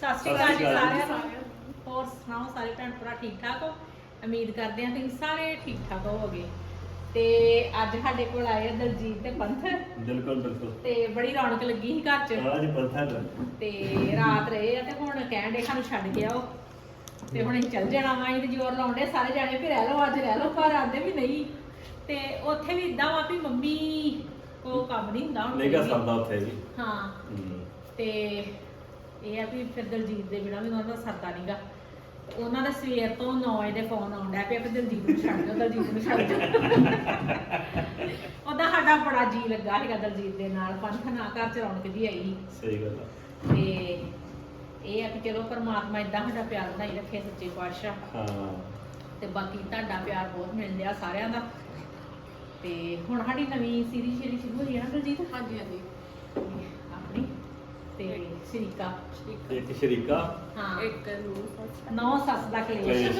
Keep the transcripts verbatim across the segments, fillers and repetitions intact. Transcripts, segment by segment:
ਸਤਿ ਸ਼੍ਰੀ ਅਕਾਲ ਜੀ ਸਾਰਿਆਂ ਨੂੰ। ਹੋਰ ਸੁਣਾਓ ਸਾਰੇ ਭੈਣ ਭਰਾ ਠੀਕ ਠਾਕ ਹੋ? ਉਮੀਦ ਕਰਦੇ ਹਾਂ ਤੁਸੀਂ ਸਾਰੇ ਠੀਕ ਠਾਕ ਹੋਵੋਗੇ। ਤੇ ਅੱਜ ਸਾਡੇ ਕੋਲ ਆਏ ਆ ਦਲਜੀਤ ਤੇ ਪੰਥ। ਬਿਲਕੁਲ ਬਿਲਕੁਲ। ਤੇ ਬੜੀ ਰੌਣਕ ਲੱਗੀ ਸੀ ਘਰ 'ਚ। ਅੱਜ ਪੰਥਾ ਦਾ ਤੇ ਰਾਤ ਰਹੇ ਆ ਤੇ ਹੁਣ ਕਹਿਣ ਦੇ ਸਾਨੂੰ ਛੱਡ ਕੇ ਆਓ ਤੇ ਹੁਣ ਅਸੀਂ ਚੱਲ ਜਾਣਾ ਵਾ। ਅਸੀਂ ਤੇ ਜ਼ੋਰ ਲਾਉਂਦੇ ਸਾਰੇ ਜਾਣੇ ਵੀ ਰਹਿ ਲਓ ਅੱਜ ਰਹਿ ਲਓ, ਪਰ ਆਂਦੇ ਵੀ ਨਹੀਂ। ਤੇ ਉੱਥੇ ਵੀ ਇਦਾਂ ਵਾ ਵੀ ਮੰਮੀ ਕੋ ਕੰਮ ਨਹੀਂ ਹੁੰਦਾ ਹੁਣ। ਨਹੀਂ ਗਾ ਸਰਦਾ ਉੱਥੇ ਵੀ। ਹਾਂ ਤੇ ਇਹ ਆ ਵੀ ਫਿਰ ਦਲਜੀਤ ਦੇ ਬਿਨਾਂ ਵੀ ਉਹਨਾਂ ਦਾ ਸਰਦਾ ਨਹੀਂਗਾ। ਉਹਨਾਂ ਦਾ ਸਵੇਰ ਤੋਂ ਨੌ ਵਜੇ ਦੇ ਫੋਨ ਆਉਂਦਾ ਪਿਆ ਵੀ ਦਲਜੀਤ ਨੂੰ ਛੱਡ ਦਿਓ, ਦਲਜੀਤ ਨੂੰ ਛੱਡ ਦਿਓ। ਉਹਦਾ ਸਾਡਾ ਬੜਾ ਜੀ ਲੱਗਾ ਹੈਗਾ ਦਲਜੀਤ ਦੇ ਨਾਲ। ਪੰਥ ਨਾ ਘਰ ਚ ਰੌਣਕ ਜੀ ਆਈ। ਸਹੀ ਗੱਲ ਆ। ਤੇ ਇਹ ਆ ਕਿ ਚਲੋ ਪਰਮਾਤਮਾ ਇਦਾਂ ਸਾਡਾ ਪਿਆਰ ਬਣਾਈ ਰੱਖੇ ਸੱਚੇ ਪਾਤਸ਼ਾਹ। ਹਾਂ ਤੇ ਬਾਕੀ ਤੁਹਾਡਾ ਪਿਆਰ ਬਹੁਤ ਮਿਲ ਰਿਹਾ ਸਾਰਿਆਂ ਦਾ। ਤੇ ਹੁਣ ਸਾਡੀ ਨਵੀਂ ਸੀਰੀਜ਼ ਜਿਹੜੀ ਸ਼ੁਰੂ ਹੋਈ ਹੈ ਨਾ ਦਲਜੀਤ। ਹਾਂਜੀ ਹਾਂਜੀ ਆਪਣੀ ਤੇ ਸ਼ਰੀਕਾ ਇੱਕ ਸ਼ਰੀਕਾ। ਹਾਂ ਇੱਕ ਨੂੰ ਸੱਚ ਨੌ ਸੱਸ ਦਾ ਕਲੇਸ਼।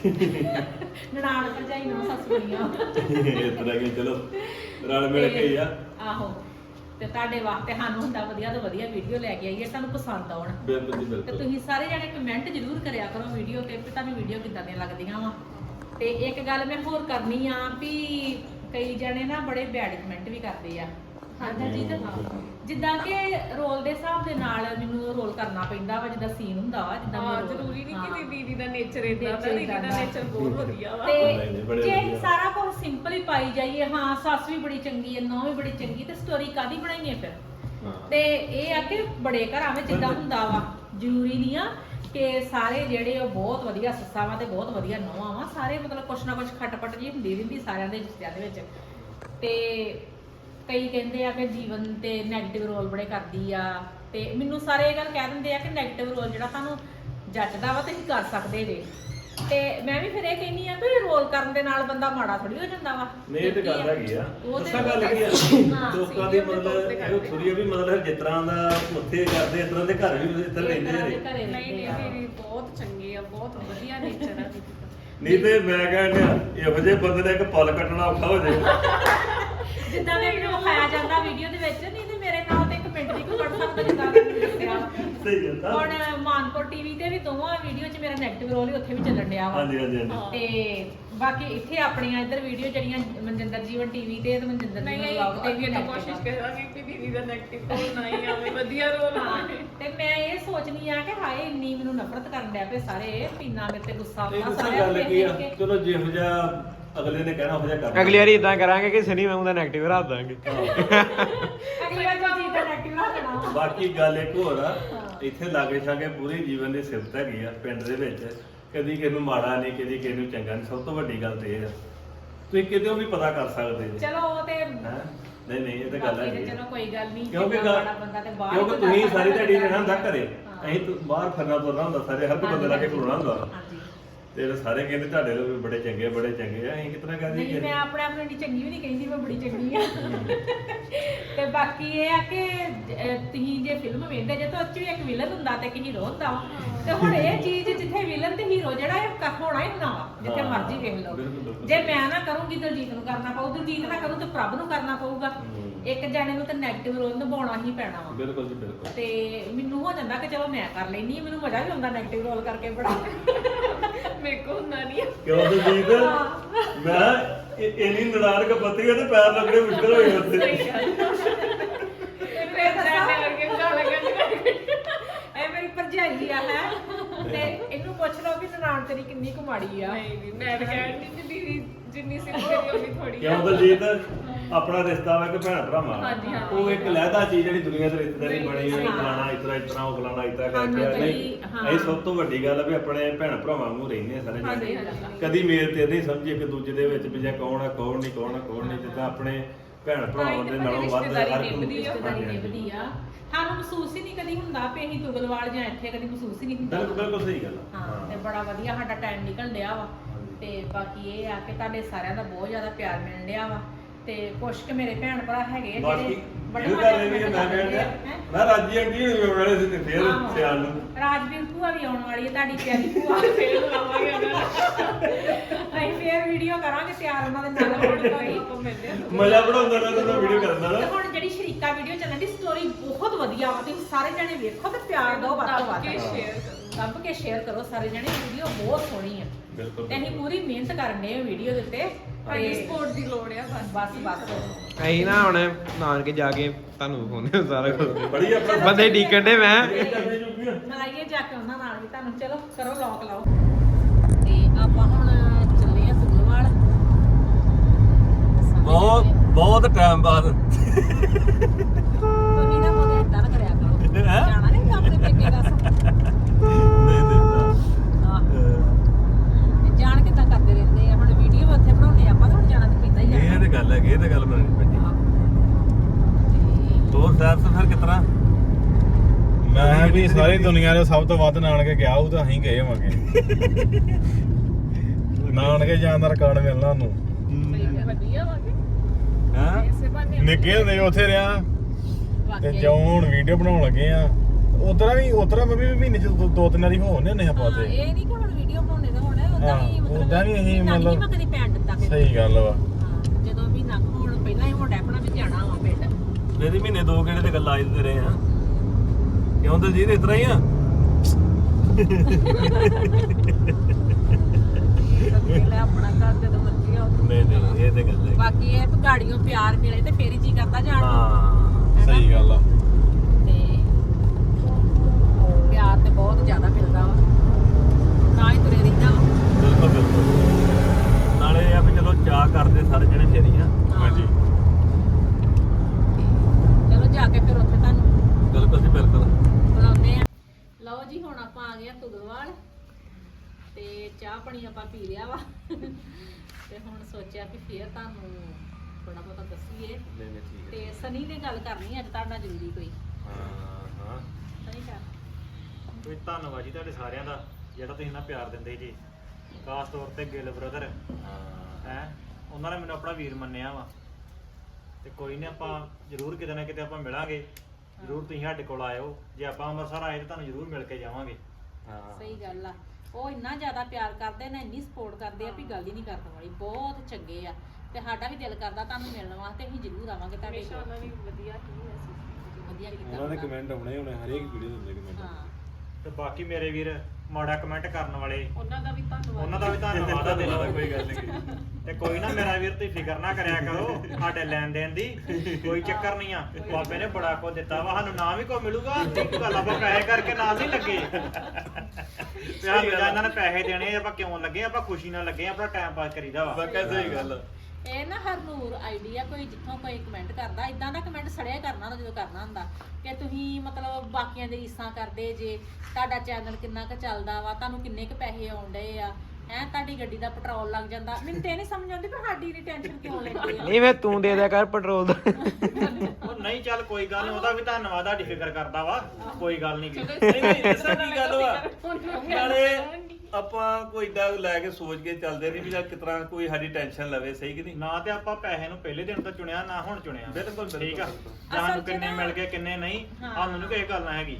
ਨਨਾਣ ਭਰਜਾਈ ਨੌ ਸੱਸ ਬਣੀਆਂ। ਇਸ ਤਰ੍ਹਾਂ ਕਿ ਚਲੋ ਰਲ ਮਿਲ ਕੇ ਹੀ ਆ। ਆਹੋ ਤੇ ਤੁਹਾਡੇ ਵਾਸਤੇ ਸਾਨੂੰ ਹੁੰਦਾ ਵਧੀਆ ਤੋਂ ਵਧੀਆ ਵੀਡੀਓ ਲੈ ਕੇ ਆਈਏ, ਤੁਹਾਨੂੰ ਪਸੰਦ ਆਉਣ। ਬਿਲਕੁਲ ਜੀ ਤੇ ਬਿਲਕੁਲ। ਤੁਸੀਂ ਸਾਰੇ ਜਣੇ ਕਮੈਂਟ ਜ਼ਰੂਰ ਕਰਿਆ ਕਰੋ ਵੀਡੀਓ ਤੇ ਵੀ ਤੁਹਾਨੂੰ ਵੀਡੀਓ ਕਿੱਦਾਂ ਦੀਆਂ ਲੱਗਦੀਆਂ ਵਾ। ਤੇ ਇੱਕ ਗੱਲ ਮੈਂ ਹੋਰ ਕਰਨੀ ਆ ਵੀ ਕਈ ਜਣੇ ਨਾ ਬੜੇ ਬੈਡ ਕਮੈਂਟ ਵੀ ਕਰਦੇ ਆ। ਹਾਂਜੀ ਜੀ ਤੇ ਜਿੱਦਾਂ ਕਿ ਰੋਲ ਦੇ ਹਿਸਾਬ ਦੇ ਨਾਲ ਮੈਨੂੰ ਰੋਲ ਕਰਨਾ ਪੈਂਦਾ ਵਾ, ਜਿੱਦਾਂ ਸੀਨ ਹੁੰਦਾ ਵਾ ਜਿੱਦਾਂ ਹਾਂ ਮੈਨੂੰ- ਜ਼ਰੂਰੀ ਨਹੀਂ ਹਾਂ। ਕਿ ਦੀਦੀ ਦਾ ਨੇਚਰ ਇਦਾਂ ਦਾ, Nature ਦੀਦੀ ਏਦਾਂ ਦਾ ਦਾ। ਨੇਚਰ ਬਹੁਤ ਵਧੀਆ ਵਾ। ਨਹੀਂ, ਤੇ ਨਹੀਂ, ਬੜੇ ਜੇ ਅਸੀਂ ਵਧੀਆ। ਸਾਰਾ ਕੁਝ ਸਿੰਪਲ ਹੀ ਪਾਈ ਜਾਈਏ, ਹਾਂ ਸੱਸ ਵੀ ਬੜੀ ਚੰਗੀ ਹੈ, ਨੌਂ ਵੀ ਬੜੀ ਚੰਗੀ, ਤੇ ਸਟੋਰੀ ਕਾਦੀ ਬਣਾਈ ਹੈ ਫਿਰ? ਹਾਂ ਤੇ ਇਹ ਆ ਕਿ ਬੜੇ ਘਰਾਂ ਵਿੱਚ ਇਦਾਂ ਹੁੰਦਾ ਵਾ। ਜ਼ਰੂਰੀ ਨਹੀਂ ਆ ਕਿ ਸਾਰੇ ਜਿਹੜੇ ਉਹ ਬਹੁਤ ਵਧੀਆ ਸੱਸਾਂ ਵਾ ਤੇ ਬਹੁਤ ਵਧੀਆ ਨੌਹਾਂ ਵਾ। ਸਾਰੇ ਮਤਲਬ ਕੁਛ ਨਾ ਕੁਛ ਖਟਪਟ ਜੀ ਹੁੰਦੀ ਰਹਿੰਦੀ ਸਾਰਿਆਂ ਦੇ ਰਿਸ਼ਤਿਆਂ ਦੇ ਵਿੱਚ। ਤੇ ਕਈ ਕਹਿੰਦੇ ਆ ਕਿ ਜੀਵਨ ਤੇ ਨੈਗੇਟਿਵ ਰੋਲ ਬੜੇ ਕਰਦੀ ਆ। ਤੇ ਮੈਨੂੰ ਸਾਰੇ ਇਹ ਗੱਲ ਕਹਿ ਦਿੰਦੇ ਆ ਕਿ ਨੈਗੇਟਿਵ ਰੋਲ ਜਿਹੜਾ ਤੁਹਾਨੂੰ ਜੱਚਦਾ ਵਾ ਤੁਸੀਂ ਕਰ ਸਕਦੇ ਜੇ। ਤੇ ਮੈਂ ਵੀ ਫਿਰ ਇਹ ਕਹਿੰਨੀ ਆ ਕਿ ਰੋਲ ਕਰਨ ਦੇ ਨਾਲ ਬੰਦਾ ਮਾੜਾ ਥੋੜੀ ਹੋ ਜਾਂਦਾ ਵਾ। ਨਹੀਂ ਇਹ ਤੇ ਗੱਲ ਹੈਗੀ ਆ। ਉਹ ਤੇ ਦੱਸਾਂ ਗੱਲ ਕੀ ਆ, ਹਾਂ, ਲੋਕਾਂ ਦੀ ਮਤਲਬ ਇਹੋ ਥੋੜੀ ਵੀ ਮਤਲਬ ਜਿਸ ਤਰ੍ਹਾਂ ਦਾ ਉੱਥੇ ਕਰਦੇ ਇਸ ਤਰ੍ਹਾਂ ਦੇ ਘਰ ਵੀ ਇਸ ਤਰ੍ਹਾਂ ਇਸ ਤਰ੍ਹਾਂ ਦੇ ਰਹਿੰਦੇ ਘਰੇ ਨੇ। ਨਹੀਂ ਰਹਿੰਦੇ ਨਹੀਂ ਆ। ਦੀਦੀ ਬਹੁਤ ਚੰਗੀ ਆ, ਬਹੁਤ ਵਧੀਆ ਨੇਚਰ ਆ ਦੀਦੀ ਦਾ। ਨਹੀਂ ਤੇ ਮੈਂ ਕਹਿੰਦਾ ਇਹੋ ਜਿਹੇ ਬੰਦੇ ਦਾ ਇੱਕ ਪਲ ਕੱਟਣਾ ਔਖਾ ਹੋ ਜਾਏਗਾ। ਜਿੱਦਾਂ ਮੈਨੂੰ ਵਿਖਾਇਆ ਜਾਂਦਾ ਵੀਡੀਓ ਦੇ ਵਿੱਚ, ਨਹੀਂ ਤੇ ਮੇਰੇ ਨਾਲ ਤੇ ਇੱਕ ਮਿੰਟ ਦੀ ਕੋਈ ਕੱਢ ਸਕਦਾ ਜਿੱਦਾਂ ਮੈਨੂੰ ਦੱਸਿਆ ਵਾ। ਸਹੀ ਗੱਲ ਆ। ਹੁਣ ਮਾਨਪੁਰ ਟੀਵੀ ਤੇ ਵੀ ਦੋਵਾਂ ਵੀਡੀਓ 'ਚ ਮੇਰਾ ਨੈਗੇਟਿਵ ਰੋਲ ਹੀ ਉੱਥੇ ਵੀ ਚੱਲਣ ਡਿਆ ਵਾ। ਹਾਂਜੀ ਹਾਂਜੀ ਹਾਂਜੀ। ਤੇ ਬਾਕੀ ਇੱਥੇ ਆਪਣੀਆਂ ਇੱਧਰ ਵੀਡੀਓ ਜਿਹੜੀਆਂ ਮਨਜਿੰਦਰ ਜੀਵਨ ਟੀਵੀ ਤੇ ਤੇ ਮਨਜਿੰਦਰ ਨਹੀਂ ਜੀਵਨ ਨਹੀਂ ਵਲੌਗ ਤੇ ਵੀ ਅੱਗੇ ਤੋਂ negative ਕੋਸ਼ਿਸ਼ ਆ। ਕਰਾਂਗੇ ਕਿ ਦੀਦੀ ਦਾ ਨੈਗੇਟਿਵ ਰੋਲ ਨਾ ਹੀ ਆਵੇ, ਵਧੀਆ ਰੋਲ ਆਵੇ। ਤੇ ਮੈਂ ਇਹ ਸੋਚਨੀ ਆ ਕਿ ਹਾਏ ਇੰਨੀ ਮੈਨੂੰ ਨਫ਼ਰਤ ਕਰਨ ਡਿਆ ਪਏ ਸਾਰੇ, ਪੀਨਾ ਮੇਰੇ ਤੇ ਗੁੱਸਾ ਇਹ ਆਉਂਦਾ ਦੱਸਾਂ ਸਾਰਿਆਂ ਗੱਲ ਨੂੰ ਕੀ ਆ, ਦੇਖ ਕੇ। ਚਲੋ ਜਿਹੋ ਜਿਹਾ ਅਗਲੇ ਨੇ ਕਹਿਣਾ ਉਹ ਜਿਹਾ ਕਰਨਾ। ਅਗਲੀ ਵਾਰੀ ਇਦਾਂ ਕਰਾਂਗੇ ਕਿ ਸਨੀ ਮੈਮ ਦਾ ਨੈਗੇਟਿਵ ਰੱਖ ਦਾਂਗੇ। ਅਗਲੀ ਵਾਰ ਜੀਤ ਦਾ ਨੈਗੇਟਿਵ ਨਾ ਦੇਣਾ। ਬਾਕੀ ਗੱਲ ਇੱਕ ਹੋਰ ਆ, ਇੱਥੇ ਲਾਗੇ ਛਾਗੇ ਪੂਰੇ ਜੀਵਨ ਦੀ ਸਿਫਤ ਹੈਗੀ ਆ ਪਿੰਡ ਦੇ ਵਿੱਚ। ਕਦੀ ਕਿਸੇ ਨੂੰ ਮਾੜਾ ਨਹੀਂ, ਕਦੀ ਕਿਸੇ ਨੂੰ ਚੰਗਾ ਨਹੀਂ। ਸਭ ਤੋਂ ਵੱਡੀ ਗੱਲ ਤੇ ਇਹ ਆ ਤੁਸੀਂ ਕਿਤੇ ਵੀ ਪਤਾ ਕਰ ਸਕਦੇ ਜੀ। ਚਲੋ ਉਹ ਤੇ ਹੈਂ? ਨਹੀਂ ਨਹੀਂ ਇਹ ਤਾਂ ਗੱਲ ਬਾਕੀ ਤੇ ਹੈ। ਚਲੋ ਕੋਈ ਗੱਲ ਨਹੀਂ। ਕਿਉਂਕਿ ਜਿੱਦਾਂ ਗੱਲ- ਮਾੜਾ ਬੰਦਾ ਤੇ ਬਾਹਰ ਕਿਉਂਕਿ ਹੀ ਤੁਸੀਂ ਬੰਦਾ ਸਾਰੀ ਦਿਹਾੜੀ ਕਰਦਾ ਰਹਿਣਾ ਹੁੰਦਾ ਘਰੇ, ਹਾਂ। ਅਸੀਂ ਤਾਂ ਬਾਹਰ ਫਿਰਨਾ ਤੁਰਨਾ ਹੁੰਦਾ ਸਾਰੇ, ਹਰ ਕੋਈ ਬੰਦੇ ਲਾ ਕੇ ਖਲੋਣਾ ਹੁੰਦਾ। ਹਾਂਜੀ। ਤੇ ਸਾਰੇ ਕਹਿੰਦੇ ਤੁਹਾਡੇ ਲੋਕ ਵੀ ਬੜੇ ਚੰਗੇ ਬੜੇ ਚੰਗੇ ਆ। ਅਸੀਂ ਕਿਤਨਾ ਕਹਦੇ ਨਹੀਂ ਮੈਂ ਆਪਣੇ ਆਪ ਨੂੰ ਇੰਨੀ ਚੰਗੀ ਵੀ ਨਹੀਂ ਕਹਿੰਦੀ, ਮੈਂ ਬੜੀ ਚੰਗੀ ਆ। ਤੇ ਬਾਕੀ ਇਹ ਆ ਕਿ ਅਹ, ਤੁਸੀਂ ਜੇ ਫਿਲਮ ਵੇਖਦੇ ਜੇ ਤਾਂ ਉਹ 'ਚ ਵੀ ਇੱਕ ਵਿਲਨ ਹੁੰਦਾ ਤੇ ਇੱਕ ਹੀਰੋ ਹੁੰਦਾ ਵਾ। ਤੇ ਹੁਣ ਇਹ ਚੀਜ਼ ਜਿੱਥੇ ਵਿਲਨ ਤੇ ਹੀਰੋ ਜਿਹੜਾ ਇਹ ਕ- ਹੋਣਾ ਹੀ ਹੋਣਾ ਵਾ, ਜਿੱਥੇ ਹਾਂ, ਮਰਜ਼ੀ ਵੇਖ ਲਓ। ਬਿਲਕੁਲ, ਬਿਲਕੁਲ। ਜੇ ਮੈਂ ਨਾ ਕਰੂੰਗੀ ਦਲਜੀਤ ਨੂੰ ਕਰਨਾ ਪਊ, ਦਲਜੀਤ ਨਾ ਕਰੂ ਤੇ ਪ੍ਰਭ ਨੂੰ ਕਰਨਾ ਪਊਗਾ। ਹੂੰ। ਇੱਕ ਜਾਣੇ ਨੂੰ ਤਾਂ ਨੈਗੇਟਿਵ ਰੋਲ ਨਿਭਾਉਣਾ ਹੀ ਪੈਣਾ ਵਾ। ਬਿਲਕੁਲ ਜੀ ਬਿਲਕੁਲ। ਤੇ ਮੈਨੂੰ ਹੋ ਜਾਂਦਾ ਕਿ ਚਲੋ ਮੈਂ ਕਰ ਲੈਣੀ, ਮੈਨੂੰ ਮਜ਼ਾ ਵੀ ਆਉਂਦਾ ਨੈਗੇਟਿਵ ਰੋਲ ਕਰਕੇ ਬੜਾ। ਮੇਰੇ ਕੋਲ ਹੁੰਦਾ ਨਹੀਂ ਆ। ਕਿਉਂ ਦਲਜੀਤ ਮੈਂ ਇਹ- ਇੰਨੀ ਨਨਾਣ ਕਪੱਤੀ ਹੈ ਤੇ ਪੈਰ ਲੱਗਣੇ ਮੁਸ਼ਕਲ ਹੋ ਗਏ ਉੱਥੇ। ਸਹੀ ਗੱਲ ਆ। ਤੇ ਫਿਰ ਜਾਣੇ ਵਰਗੇ ਗਾਲਾਂ ਕੱਢ ਇਹ ਮੇਰੀ ਭਰਜਾਈ ਆ ਹੈ ਤੇ ਇਹਨੂੰ ਪੁੱਛ ਲਓ ਵੀ ਨਨਾਣ ਤੇਰੀ ਕਿੰਨੀ ਕੁ ਮਾੜੀ ਆ। ਨਹੀਂ ਨਹੀਂ ਮੈਂ ਤਾਂ ਕਹਿਣੀ ਕਿ ਦੀਦੀ ਜਿੰਨੀ ਸਿੱਖ ਤੇਰੀ ਉਨੀ ਥੋੜੀ ਕਿਉਂ ਦਲਜੀਤ ਆਪਣਾ ਰਿਸ਼ਤਾ ਵਾ ਇੱਕ ਭੈਣ ਭਰਾਵਾਂ ਦਾ। ਹਾਂਜੀ, ਹਾਂ। ਉਹ ਇੱਕ ਲਹਿਦਾ ਚੀਜ਼ ਜਿਹੜੀ ਦੁਨੀਆ ਤੇ ਰਿਸ਼ਤੇਦਾਰੀ ਬਣੀ ਹੋਈ, ਹਾਂ। ਫਲਾਣਾ ਇਸ ਤਰ੍ਹਾਂ ਇਸ ਤਰ੍ਹਾਂ ਉਹ ਫਲਾਣਾ ਇਸ ਤਰ੍ਹਾਂ ਸਾਨੂੰ ਕਰਕੇ ਕਦੀ- ਨਹੀਂ ਹਾਂ। ਇਹ ਸਭ ਤੋਂ ਵੱਡੀ ਗੱਲ ਆ ਵੀ ਆਪਣੇ ਭੈਣ ਭਰਾਵਾਂ ਨੂੰ ਰਹਿੰਦੇ ਆ ਸਾਰੇ ਹਾਂਜੀ, ਜਾਣੇ। ਹਾਂਜੀ। ਕਦੀ ਮੇਲ ਤੇ ਨਹੀਂ ਸਮਝੀ ਇੱਕ ਦੂਜੇ ਦੇ ਵਿੱਚ ਵੀ ਜਾਂ ਕੌਣ ਆ ਕੌਣ ਨਹੀਂ ਕੌਣ ਆ ਕੌਣ ਨਹੀਂ, ਜਿੱਦਾਂ ਆਪਣੇ ਭੈਣ ਭਰਾਵਾਂ ਦੇ ਨਾਲੋਂ ਵੱਧ ਰਿਸ਼ਤੇਦਾਰੀ ਹਰ ਕੋਈ ਨਿਭਦੀ ਆ। ਰਿਸ਼ਤੇਦਾਰੀ ਨਿਭਦੀ ਆ। ਸਾਨੂੰ ਮਹਿਸੂਸ ਹੀ ਨਹੀਂ ਕਦੀ ਹੁੰਦਾ ਵੀ ਅਸੀਂ ਤੁਗਲਵਾਲ ਜਾਂ ਇੱਥੇ ਕਦੀ ਮਹਿਸੂਸ ਹੀ ਨਹੀਂ ਹੁੰਦਾ। ਬਿਲਕੁਲ ਬਿਲਕੁਲ ਸਹੀ ਗੱਲ ਆ। ਹਾਂ ਤੇ ਬੜਾ ਵਧੀਆ ਸਾਡਾ ਟਾਈਮ ਨਿਕਲ ਡਿਆ ਵਾ। ਤੇ ਬਾਕੀ ਇਹ ਆ ਕਿ ਤੁਹਾਡੇ ਸਾਰਿਆਂ ਦਾ ਬਹੁਤ ਜ਼ਿਆਦਾ ਪਿਆਰ ਮਿਲ ਡਿਆ ਵਾ। ਤੇ ਕੁਛ ਕਿ ਮੇਰੇ ਭੈਣ ਭਰਾ ਹੈਗੇ ਆ ਬਾਕੀ ਬੜੇ ਇਹ ਮਜ਼ੇ ਗੱਲ ਇਹ ਵੀ ਨਾਲ ਮੈਂ ਕਰਦੇ ਕਹਿੰਦਾ ਆ, ਹੈਂ। ਮੈਂ ਰਾਜੀ ਆਂਟੀ ਨੂੰ ਆਉਣ ਵਾਲੇ ਸੀ ਤੇ ਫੇਰ ਆਹੋ। ਸਿਆਲ ਨੂੰ ਰਾਜਵੀਰ ਭੂਆ ਵੀ ਆਉਣ ਵਾਲੀ ਹੈ, ਤੁਹਾਡੀ ਪਿਆਰੀ ਭੂਆ। ਫੇਰ ਲਾਵਾਂਗੇ ਉਹਨਾਂ ਅਸੀਂ ਫੇਰ ਵੀਡੀਓ ਕਰਾਂਗੇ ਤਿਆਰ ਉਹਨਾਂ ਦੇ ਨਾਲ ਹੋਣ ਨੂੰ ਕੋਈ। ਆਪਾਂ ਮਿਲਦੇ ਆ। ਮਜ਼ਾ ਬਣਾਉਂਦਾ ਨਾ ਤਾਂ ਵੀਡੀਓ ਕਰਦਾ ਤੇ ਨਾ। ਹੁਣ ਜਿਹੜੀ ਸ਼੍ਰੀ ਨਿੱਕਾ ਵੀਡੀਓ ਚੱਲਣ ਦੀ ਸਟੋਰੀ ਬਹੁਤ ਵਧੀਆ ਵਾ ਤੁਸੀਂ ਸਾਰੇ ਜਣੇ ਵੇਖੋ ਤੇ ਪਿਆਰ ਦਿਓ ਵੱਧ ਤੋਂ ਵੱਧ ਕੇ ਸ਼ੇਅਰ ਕਰੋ ਦੱਬ ਕੇ ਸ਼ੇਅਰ ਕਰੋ ਸਾਰੇ ਜਣੇ ਵੀਡੀਓ ਬਹੁਤ ਸੋਹਣੀ ਆ ਬਿਲਕੁਲ ਤੇ ਅਸੀਂ ਪੂਰੀ ਮਿਹਨਤ ਕਰਨੇ ਆ ਵੀਡੀਓ ਦੇ ਉੱਤੇ ਸਾਡੀ ਤੇ ਸਪੋਰਟ ਦੀ ਲੋੜ ਆ ਬਸ ਬਸ ਬਸ ਅਸੀਂ ਨਾ ਹੁਣ ਨਾਨਕੇ ਜਾ ਕੇ ਤੁਹਾਨੂੰ ਵਿਖਾਉਂਦੇ ਹਾਂ ਸਾਰਾ ਕੁਝ ਬੜੀ ਆਪਣਾ ਬੰਦੇ ਡੀਕਣ ਦੇ ਮੈਂ ਮਲਾਈਏ ਜਾ ਕੇ ਉਹਨਾਂ ਨਾਲ ਵੀ ਤੁਹਾਨੂੰ ਚਲੋ ਕਰੋ ਲੌਕ ਲਾਓ ਤੇ ਆਪਾਂ ਹੁਣ ਚੱਲੇ ਆ ਸੁਗਲਵਾਲ ਬਹੁਤ ਬਹੁਤ ਟਾਈਮ ਬਾਅਦ ਤੁਸੀਂ ਨਾ ਮੋਦੇ ਇਦਾਂ ਨਾ ਕਰਿਆ ਕਰੋ ਹੈਂ? ਜਾਣਾ ਨਹੀਂ ਆਪਣੇ ਪੇਕੇ ਦੱਸ ਨਹੀਂ ਆਹ, ਤੇ ਜਾਣ ਕਿੱਦਾਂ ਕਰਦੇ ਰਹਿੰਦੇ ਆ ਹੁਣ ਵੀਡੀਓ ਉੱਥੇ ਬਣਾਉਣੇ ਆਪਾਂ ਤਾਂ ਹੁਣ ਜਾਣਾ ਤਾਂ ਪੈਂਦਾ ਹੀ ਇਹ ਜਾਣਾ ਤੇ ਗੱਲ ਹੈ ਇਹ ਤੇ ਗੱਲ ਬਣਨੀ ਪੈਂਦੀ ਤੇ ਹੋਰ ਸਾਹਿਬ ਤੋਂ ਫਿਰ ਕਿਤਨਾ ਮੈਂ ਵੀ ਸਾਰੀ ਦੁਨੀਆ ਦੇ ਸਭ ਤੋਂ ਵੱਧ ਨਾਨਕੇ ਗਿਆ ਉਹ ਤਾਂ ਅਸੀਂ ਗਏ ਹੋਵਾਂਗੇ ਨਾਨਕੇ ਜਾਣ ਦਾ ਰਿਕਾਰਡ ਮਿਲਣਾ ਉਹਨੂੰ ਵਧੀਆ ਵਾਗੇ ਹਾਂ ਇਸੇ ਬਾਨੇ ਨਿੱਕੇ ਹੁੰਦੇ ਉੱਥੇ ਰਿਆ ਤੇ ਵਾਕਿਆ ਹੀ। ਜਿਉਂ ਹੁਣ ਵੀਡੀਓ ਬਣਾਉਣ ਲੱਗੇ ਆ ਉਤਰਾ ਵੀ ਉਤਰਾ ਮੈਂ ਵੀ ਮਹੀਨੇ ਚ ਦੋ- ਦੋ ਤਿੰਨ ਵਾਰੀ ਹੋ ਹੁੰਦੇ ਨੇ ਆਪਾਂ ਹਾਂ, ਤੇ ਇਹ ਨਹੀਂ ਕਿ ਹੁਣ ਵੀਡੀਓ ਬਣਾਉਣੇ ਤਾਂ ਹੁਣ ਉਦਾਂ ਹਾਂ, ਵੀ ਮਤਲਬ ਉੱਦਾਂ ਵੀ ਅਸੀਂ ਮਹੀਨਾ ਨੀ ਮਤਲਬ- ਮੈਂ ਕਦੀ ਪੈਣ ਦਿੱਤਾ ਫਿਰ। ਸਹੀ ਗੱਲ ਵਾ ਹਾਂ, ਜਦੋਂ ਵੀ ਨਾ ਹੁਣ ਪਹਿਲਾਂ ਹੀ ਹੁਣ ਡੈਪਣਾ ਵੀ ਜਾਣਾ ਵਾ ਪਿੰਡ ਇਹਦੇ ਮਹੀਨੇ ਦੋ ਕਿਹੜੇ ਤੇ ਗੱਲਾਂ ਆਈਦੇ ਰਹੇ ਆ ਕਿਉਂ ਦਲਜੀਤ ਇਸ ਤਰ੍ਹਾਂ ਹੀ ਆ ਲੈ ਆਪਣਾ ਘਰ ਜਦੋਂ ਮਰਜ਼ੀ ਆਓ ਨਹੀਂ ਨਹੀਂ ਇਹ ਤੇ ਗੱਲ ਹੈ ਬਾਕੀ ਇਹ ਵੀ ਗਾੜੀਆਂ ਪਿਆਰ ਮਿਲੇ ਤੇ ਫੇਰ ਹੀ ਜੀ ਕਰਦਾ ਜਾਣ ਨੂੰ ਹਾਂ ਸਹੀ ਗੱਲ ਆ ਤੇ ਪਿਆਰ ਤੇ ਬਹੁਤ ਜ਼ਿਆਦਾ ਮਿਲਦਾ ਵਾ ਤਾਂ ਹੀ ਤੁਰੇ ਰਹਿੰਦਾ ਵਾ ਬਿਲਕੁਲ ਬਿਲਕੁਲ ਨਾਲੇ ਇਹ ਆ ਵੀ ਚਲੋ ਚਾਹ ਕਰਦੇ ਸਾਰੇ ਜਣੇ ਫੇਰੀਆਂ ਹਾਂਜੀ ਚਲੋ ਜਾ ਕੇ ਫਿਰ ਉੱਥੇ ਤੁਹਾਨੂੰ ਬਿਲਕੁਲ ਜੀ ਬਿਲਕੁਲ ਬੁਲਾਉਂਦੇ ਆ ਲਓ ਜੀ ਹੁਣ ਆਪਾਂ ਆ ਗਏ ਆ ਤੁਗਲਵਾਲ ਤੇ ਚਾਹ ਪਾਣੀ ਆਪਾਂ ਪੀ ਲਿਆ ਵਾ ਤੇ ਹੁਣ ਸੋਚਿਆ ਵੀ ਫੇਰ ਤੁਹਾਨੂੰ ਥੋੜਾ ਬਹੁਤਾ ਦੱਸੀਏ ਨਹੀਂ ਨਹੀਂ ਠੀਕ ਤੇ ਸਨੀ ਨੇ ਗੱਲ ਕਰਨੀ ਅੱਜ ਤੁਹਾਡਾ ਜ਼ਰੂਰੀ ਕੋਈ ਹਾਂ ਹਾਂ ਸਨੀ ਕਰ ਕੋਈ ਧੰਨਵਾਦ ਜੀ ਤੁਹਾਡੇ ਸਾਰਿਆਂ ਦਾ ਜਿਹੜਾ ਤੁਸੀਂ ਨਾ ਪਿਆਰ ਦਿੰਦੇ ਜੀ ਖਾਸ ਤੌਰ ਤੇ ਗਿੱਲ ਬ੍ਰਦਰ ਹਾਂ ਹੈ ਉਹਨਾਂ ਨੇ ਮੈਨੂੰ ਆਪਣਾ ਵੀਰ ਮੰਨਿਆ ਵਾ ਤੇ ਕੋਈ ਨਹੀਂ ਆਪਾਂ ਜ਼ਰੂਰ ਕਿਤੇ ਨਾ ਕਿਤੇ ਆਪਾਂ ਮਿਲਾਂਗੇ ਜ਼ਰੂਰ ਤੁਸੀਂ ਸਾਡੇ ਕੋਲ ਆਇਓ ਜੇ ਆਪਾਂ ਅੰਮ੍ਰਿਤਸਰ ਆਏ ਤਾਂ ਤੁਹਾਨੂੰ ਜ਼ਰੂਰ ਮਿਲ ਕੇ ਜਾਵਾਂਗੇ ਹਾਂ ਸਹੀ ਗੱਲ ਆ ਉਹ ਇੰਨਾ ਜ਼ਿਆਦਾ ਪਿਆਰ ਕਰਦੇ ਨੇ ਇੰਨੀ ਸਪੋਰਟ ਕਰਦੇ ਆ ਵੀ ਗੱਲ ਹੀ ਨਹੀਂ ਕਰਨ ਵਾਲੀ ਬਹੁਤ ਚੰਗੇ ਆ ਤੇ ਸਾਡਾ ਵੀ ਦਿਲ ਕਰਦਾ ਤੁਹਾਨੂੰ ਮਿਲਣ ਵਾਸਤੇ ਅਸੀਂ ਜ਼ਰੂਰ ਆਵਾਂਗੇ ਤੁਹਾਡੇ ਹਮੇਸ਼ਾ ਕੋਲ ਉਹਨਾਂ ਦੀ ਵਧੀਆ ਹੀ ਅਸੀਂ ਵਧੀਆ ਕੀਤਾ ਉਹਨਾਂ ਦੇ ਉਹਨਾਂ। ਕਮੈਂਟ ਆਉਣੇ ਹੋਣੇ ਹਰੇਕ ਵੀਡੀਓ ਦੇ ਹੁੰਦੇ ਕਮੈਂਟ ਹਾਂ ਤੇ ਬਾਕੀ ਮੇਰੇ ਵੀਰ ਮਾੜਾ ਕਮੈਂਟ ਕਰਨ ਵਾਲੇ ਉਹਨਾਂ ਦਾ ਵੀ ਧੰਨਵਾਦ ਉਹਨਾਂ ਦਾ ਵੀ ਧੰਨਵਾਦ ਆ ਦਿਲੋਂ ਕੋਈ ਗੱਲ ਨਹੀਂ ਤੇ ਕੋਈ ਨਾ ਮੇਰਾ ਵੀਰ ਤੁਸੀਂ ਫਿਕਰ ਨਾ ਕਰਿਆ ਕਰੋ ਸਾਡੇ ਲੈਣ ਦੇਣ ਦੀ ਕੋਈ ਚੱਕਰ ਨਹੀਂ ਆ ਬਾਬੇ ਨੇ ਬੜਾ ਕੁਝ ਦਿੱਤਾ ਵਾ ਸਾਨੂੰ ਨਾ ਵੀ ਕੋਈ ਮਿਲੂਗਾ ਇੱਕ ਗੱਲ ਆਪਾਂ ਪੈਸੇ ਕਰਕੇ ਨਾਲ ਨਹੀਂ ਲੱਗੇ ਪਿਆਰ ਨਾਲ ਇਹਨਾਂ ਨੇ ਪੈਸੇ ਦੇਣੇ ਆ, ਆਪਾਂ ਕਿਉਂ ਲੱਗੇ ਆਪਾਂ ਖੁਸ਼ੀ ਨਾਲ ਲੱਗੇ ਆ, ਆਪਣਾ ਟਾਈਮ ਪਾਸ ਕਰੀਦਾ ਵਾ ਵਾਕਿਆ ਸਹੀ ਗੱਲ ਆ। ਇਹ ਨਾ ਹਰਨੂਰ ਆਈਡੀਆ ਕੋਈ ਜਿੱਥੋਂ ਕੋਈ ਕਮੈਂਟ ਕਰਦਾ ਇਦਾਂ ਦਾ ਕਮੈਂਟ ਸੜਿਆ ਕਰਨਾ ਹੁੰਦਾ ਜਦੋਂ ਕਰਨਾ ਹੁੰਦਾ ਕਿ ਤੁਸੀਂ ਮਤਲਬ ਬਾਕੀਆਂ ਦੇ ਰੀਸਾਂ ਕਰਦੇ ਜੇ ਤੁਹਾਡਾ ਚੈਨਲ ਕਿੰਨਾ ਕੁ ਚੱਲਦਾ ਵਾ ਤੁਹਾਨੂੰ ਕਿੰਨੇ ਕੁ ਪੈਸੇ ਆਉਂਦੇ ਆ ਹੈ ਤੁਹਾਡੀ ਗੱਡੀ ਦਾ ਪੈਟਰੋਲ ਲੱਗ ਜਾਂਦਾ ਮੈਨੂੰ ਤੇ ਇਹ ਨਹੀਂ ਸਮਝ ਆਉਂਦੀ ਕਿ ਸਾਡੀ ਨਹੀਂ ਟੈਨਸ਼ਨ ਕਿਉਂ ਲੈਂਦੇ ਆ ਨਹੀਂ ਫੇ ਤੂੰ ਦੇ ਦਿਆ ਕਰ ਪੈਟਰੋਲ ਦਾ ਉਹ ਨਹੀਂ ਚੱਲ ਕੋਈ ਗੱਲ ਨਹੀਂ ਉਹਦਾ ਵੀ ਧੰਨਵਾਦ ਸਾਡੀ ਫਿਕਰ ਕਰਦਾ ਵਾ ਕੋਈ ਗੱਲ ਨਹੀਂ ਨਹੀਂ ਨਹੀਂ ਇਸ ਤਰ੍ਹਾਂ ਦੀ ਗੱਲ ਵਾ ਉਹਨੂੰ ਨਾਲੇ ਆਪਾਂ ਕੋਈ ਏਦਾਂ ਲੈ ਕੇ ਸੋਚ ਕੇ ਚੱਲਦੇ ਨਹੀਂ ਵੀ ਜਾਂ ਕਿਸ ਤਰ੍ਹਾਂ ਕੋਈ ਸਾਡੀ ਟੈਨਸ਼ਨ ਲਵੇ ਸਹੀ ਕਿ ਨਹੀਂ ਨਾ ਤੇ ਆਪਾਂ ਪੈਸੇ ਨੂੰ ਪਹਿਲੇ ਦਿਨ ਤੋਂ ਚੁਣਿਆ ਨਾ ਹੁਣ ਚੁਣਿਆ ਬਿਲਕੁਲ, ਬਿਲਕੁਲ, ਠੀਕ ਆ ਬਿਲਕੁਲ। ਜਾਂ ਅਸਲ ਸਾਨੂੰ ਚ ਕਿੰਨੇ ਨਾ- ਮਿਲ ਗਏ ਕਿੰਨੇ ਨਹੀਂ ਹਾਂ। ਸਾਨੂੰ ਨਹੀਂ ਕੋਈ ਗੱਲ ਨਾ ਹੈਗੀ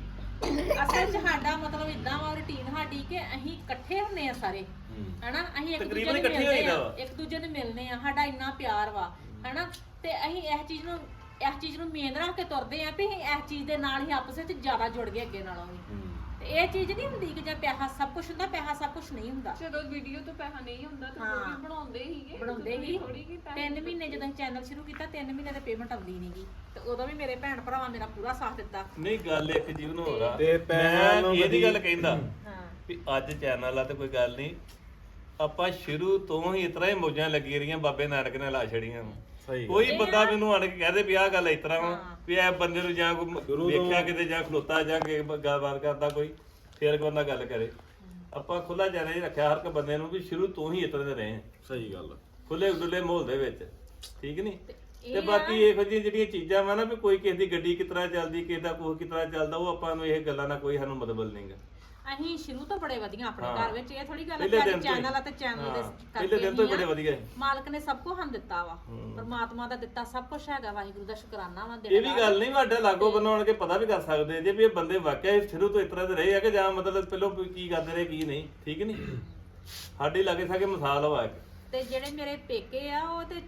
ਅਸਲ 'ਚ ਸਾਡਾ ਮਤਲਬ ਇਦਾਂ ਵਾ ਰੁਟੀਨ ਸਾਡੀ ਕਿ ਅਸੀਂ ਇਕੱਠੇ ਹੁੰਨੇ ਆ ਸਾਰੇ ਹਨਾ ਅਸੀਂ ਇੱਕ ਦੂਜੇ ਤਕਰੀਬਨ ਨੂੰ ਇਕੱਠੇ ਮਿਲਦੇ ਹੋਈਦਾ ਆ ਵਾ। ਇੱਕ ਦੂਜੇ ਨੂੰ ਮਿਲਨੇ ਆ ਸਾਡਾ ਇੰਨਾ ਪਿਆਰ ਵਾ ਹਨਾ ਤੇ ਅਸੀਂ ਇਸ ਚੀਜ਼ ਨੂੰ ਇਸ ਚੀਜ਼ ਨੂੰ ਮੇਨ ਰੱਖ ਕੇ ਤੁਰਦੇ ਆ ਵੀ ਅਸੀਂ ਇਸ ਚੀਜ਼ ਦੇ ਨਾਲ ਹੀ ਆਪਸ ਵਿੱਚ ਜ਼ਿਆਦਾ ਜੁੜ ਗਏ ਅੱਗੇ ਨਾਲੋਂ ਵੀ ਤੇ ਇਹ ਚੀਜ਼ ਨਹੀਂ ਹੁੰਦੀ ਕਿ ਜੇ ਪੈਸਾ ਸਭ ਕੁਝ ਹੁੰਦਾ ਪੈਸਾ ਸਭ ਕੁਝ ਨਹੀਂ ਹੁੰਦਾ ਜਦੋਂ ਵੀਡੀਓ ਤੋਂ ਪੈਸਾ ਨਹੀਂ ਹੁੰਦਾ ਤਾਂ ਹਾਂ। ਉਹ ਵੀ ਬਣਾਉਂਦੇ ਹੀਗੇ ਬਣਾਉਂਦੇ ਹੀ ਥੋੜੀ ਕੀ ਪੈਸੇ ਤਿੰਨ ਮਹੀਨੇ ਜਦੋਂ ਚੈਨਲ ਸ਼ੁਰੂ ਕੀਤਾ ਤਿੰਨ ਮਹੀਨੇ ਦੇ ਪੇਮੈਂਟ ਆਉਂਦੀ ਨਹੀਂਗੀ ਤੇ ਉਦੋਂ ਵੀ ਮੇਰੇ ਭੈਣ ਭਰਾਵਾਂ ਮੇਰਾ ਪੂਰਾ ਸਾਥ ਦਿੱਤਾ ਨਹੀਂ ਗੱਲ ਇੱਕ ਜੀਵਨ ਹੋ ਰਹਾ ਤੇ ਪੈਸਿਆਂ ਨੂੰ ਇਹਦੀ ਕਦੀ- ਗੱਲ ਕਹਿੰਦਾ ਹਾਂ ਵੀ ਅੱਜ ਚੈਨਲ ਆ ਤੇ ਕੋਈ ਗੱਲ ਨਹੀਂ ਆਪਾਂ ਸ਼ੁਰੂ ਤੋਂ ਹੀ ਇਤਰਾ ਹੀ ਮੌਜਾਂ ਲੱਗੀ ਰਹੀਆਂ ਬਾਬੇ ਨਾਨਕ ਨੇ ਲਾ ਛੜੀਆਂ ਸਹੀ ਕੋਈ ਬੰਦਾ ਮੈਨੂੰ ਆਣ ਕੇ ਕਹਦੇ ਵੀ ਆਹ ਗੱਲ ਇਸ ਤਰ੍ਹਾਂ ਵਾ ਹਾਂ। ਵੀ ਇਹ ਬੰਦੇ ਨੂੰ ਜਾਂ ਕੋਈ ਸ਼ੁਰੂ ਤੋਂ- ਵੇਖਿਆ ਕਿਤੇ ਜਾਂ ਖਲੋਤਾ ਜਾਂ ਕਿ ਗੱਲਬਾਤ ਕਰਦਾ ਕੋਈ ਫੇਰ ਕੋਈ ਬੰਦਾ ਗੱਲ ਕਰੇ ਆਪਾਂ ਖੁੱਲਾ ਚੈਲੰਜ ਰੱਖਿਆ ਹਰ ਇੱਕ ਬੰਦੇ ਨੂੰ ਵੀ ਸ਼ੁਰੂ ਤੋਂ ਹੀ ਇਤਰੇ ਦੇ ਰਹੇ ਹਾਂ ਸਹੀ ਗੱਲ ਖੁੱਲੇ ਡੁੱਲੇ ਮਾਹੌਲ ਦੇ ਵਿੱਚ ਠੀਕ ਨਹੀਂ ਇਹ ਤੇ ਬਾਕੀ ਇਹੋ ਜਿਹੀਆਂ ਜਿਹੜੀਆਂ ਚੀਜ਼ਾਂ ਵਾ ਨਾ ਵੀ ਕੋਈ ਕਿਸੇ ਦੀ ਗੱਡੀ ਕਿਸ ਤਰ੍ਹਾਂ ਚੱਲਦੀ ਕਿਸੇ ਦਾ ਕੋਹ ਕਿਸ ਤਰ੍ਹਾਂ ਚੱਲਦਾ ਉਹ ਆਪਾਂ ਨੂੰ ਇਹ ਗੱਲਾਂ ਨਾਲ ਕੋਈ ਸਾਨੂੰ ਮਤਲਬ ਨਹੀਂਗਾ ਅਸੀਂ ਸ਼ੁਰੂ ਤੋਂ ਬੜੇ ਵਧੀਆ ਆਪਣੇ ਹਾਂ। ਘਰ ਵਿੱਚ ਇਹ ਥੋੜੀ ਗੱਲ ਪਹਿਲੇ ਹੈ ਦਿਨ ਕਿ ਤੋਂ ਹੀ। ਚੈਨਲ ਆ ਤੇ ਚੈਨਲ ਦੇ ਹਾਂ, ਕਰਕੇ ਪਹਿਲੇ ਦਿਨ ਤੋਂ ਹੀ ਹੀ ਆ। ਬੜੇ ਵਧੀਆ ਹੈ। ਮਾਲਕ ਨੇ ਸਭ ਕੁਝ ਹਨ ਦਿੱਤਾ ਵਾ ਪਰਮਾਤਮਾ ਦਾ ਦਿੱਤਾ ਸਭ ਕੁਝ ਹੈਗਾ ਵਾਹਿਗੁਰੂ ਦਾ ਸ਼ੁਕਰਾਨਾ ਵਾ ਇਹ ਵੀ ਗੱਲ ਨਹੀਂ ਤੁਹਾਡੇ ਲਾਗੋ ਬਣਾਉਣ ਕੇ ਪਤਾ ਵੀ ਕਰ ਸਕਦੇ ਜੇ ਵੀ ਇਹ ਬੰਦੇ ਵਾਕਿਆ ਹੀ ਸ਼ੁਰੂ ਤੋਂ ਇਸ ਤਰ੍ਹਾਂ ਦੇ ਰਹੇ ਆ ਕਿ ਜਾਂ ਮਤਲਬ ਪਹਿਲਾਂ ਵੀ ਕੀ ਕਰਦੇ ਰਹੇ ਕੀ ਨਹੀਂ ਠੀਕ ਨਹੀਂ ਸਾਡੇ ਲਾਗੇ ਸਾਗੇ ਮਿਸਾਲ ਵਾ ਇੱਕ। ਤੇ ਜਿਹੜੇ ਮੇਰੇ ਪੇਕੇ ਆ ਉਹ ਤੇ